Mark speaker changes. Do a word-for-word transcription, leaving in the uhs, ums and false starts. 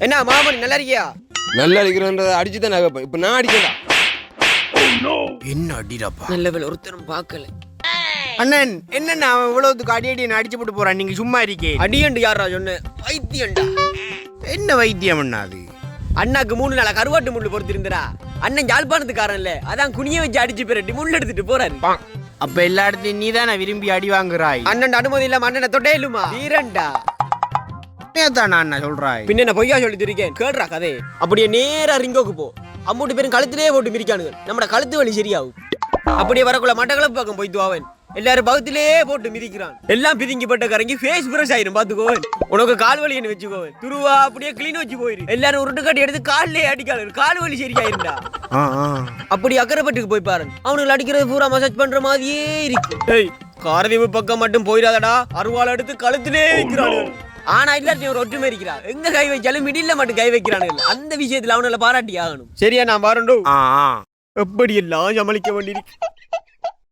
Speaker 1: என்ன மாமன் நல்லா இருக்கியா?
Speaker 2: நல்லா அடிக்கிறன்றத அடிச்சு தான் நகைப்பேன். இப்ப நான் அடிக்கடா.
Speaker 1: என்ன அடிடாப்பா?
Speaker 3: நல்ல வேலை ஒருத்தரும் பார்க்கல.
Speaker 1: அண்ணன் என்னண்ணா அவன் இவ்வளவுக்கு அடி அடி அடிச்சு போட்டு போறான், நீங்க சும்மா இருக்கே.
Speaker 3: அடியண்டு யாரா சொன்ன? வைத்தியண்டா.
Speaker 1: என்ன வைத்தியம் அண்ணா அது?
Speaker 3: அண்ணாக்கு மூணு நாளா கருவாட்டு முள்ளு பொறுத்திருந்தா. அண்ணன் யாழ்ப்பாணத்துக்காரன் இல்ல, அதான் குனிய வச்சு அடிச்சு பிரட்டி முள் எடுத்துட்டு போறாரு.
Speaker 1: அப்ப எல்லா இடத்தையும் நீ தானே விரும்பி அடி வாங்குறாய்.
Speaker 3: அண்ணன் அனுமதி இல்லாம அண்ணனை தொட்டே இல்லுமா வீரண்டா.
Speaker 1: தானா அண்ணா சொல்றாய்?
Speaker 3: பின்ன என்ன பொய்யா சொல்லிட்டு இருக்கேன், கேடுறா கதை. அப்படியே நேரா ரிங்கோக்கு போ. அம்மூட்டு பேரும் கழுத்திலே போட்டு மிரிக்கானுங்க. நம்மட கழுத்து வலி சரியாகும். அப்படியே வரக்குள்ள மட்டக்களப்பு பக்கம் போய்த்து அவன் எல்லாரும் பகுத்திலே போட்டு மிதிக்கிறான். எல்லாம் பிதிங்கிப்பட்ட கரங்கி ஃபேஸ் பிரஷ் ஆயிரும் பாத்துக்கோவன். உனக்கு கால் வலி என்ன வச்சுக்கோவன். துருவா அப்படியே கிளீன் வச்சு போயிரு. எல்லாரும் உருட்டு கட்டி எடுத்து காலிலே அடிக்காது, கால் வலி சரியாயிருந்தா. அப்படி அக்கறைப்பட்டுக்கு போய் பாரு, அவனுக்கு அடிக்கிறது பூரா மசாஜ் பண்ற மாதிரியே இருக்கு. ஏய், காரதீவு பக்கம் மட்டும் போயிடாதடா, அருவாள் எடுத்து கழுத்திலே வைக்கிறானு. ஆனா இல்லாட்டி ஒரு ஒற்றுமை இருக்கிறா. எங்க கை வைச்சாலும் மிடில்ல மட்டும் கை வைக்கிறானுங்க. அந்த விஷயத்துல அவனால பாராட்டி ஆகணும். சரியா நான் பாருண்டோ. எப்படி எல்லாம் சமாளிக்க வேண்டியிருக்கு.